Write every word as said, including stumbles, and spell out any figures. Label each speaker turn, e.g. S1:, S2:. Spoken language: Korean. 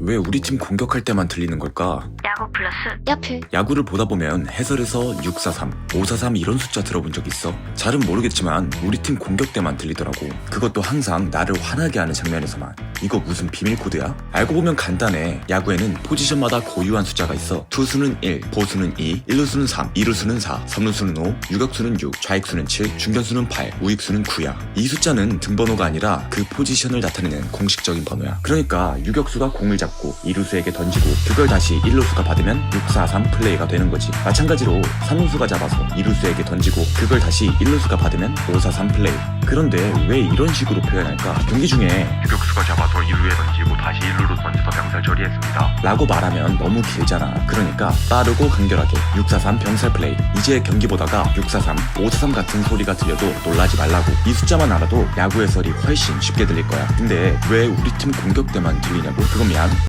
S1: 왜 우리 팀 공격할 때만 들리는 걸까?
S2: 야구 플러스
S3: 야플.
S1: 야구를 보다 보면 해설에서 육사삼, 오사삼 이런 숫자 들어본 적 있어? 잘은 모르겠지만 우리 팀 공격 때만 들리더라고. 그것도 항상 나를 화나게 하는 장면에서만. 이거 무슨 비밀 코드야? 알고 보면 간단해. 야구에는 포지션마다 고유한 숫자가 있어. 투수는 일, 보수는 이, 일루수는 삼, 이루수는 사, 삼루수는 오, 유격수는 육, 좌익수는 칠, 중견수는 팔, 우익수는 구야. 이 숫자는 등번호가 아니라 그 포지션을 나타내는 공식적인 번호야. 그러니까 유격수가 공을 잡고 이루수에게 던지고 그걸 다시 일루수가 받으면 육사삼 플레이가 되는 거지. 마찬가지로 삼루수가 잡아서 이루수에게 던지고 그걸 다시 일루수가 받으면 오사삼 플레이. 그런데 왜 이런 식으로 표현할까? 경기 중에
S4: 유격수가 잡아서 이루에 던지고 다시 일루로 던져서 병살 처리했습니다
S1: 라고 말하면 너무 길잖아. 그러니까 빠르고 간결하게 육사삼 병살 플레이. 이제 경기 보다가 육사삼, 오사삼 같은 소리가 들려도 놀라지 말라고. 이 숫자만 알아도 야구 해설이 훨씬 쉽게 들릴 거야. 근데 왜 우리 팀 공격 때만 들리냐고? 그건 미안.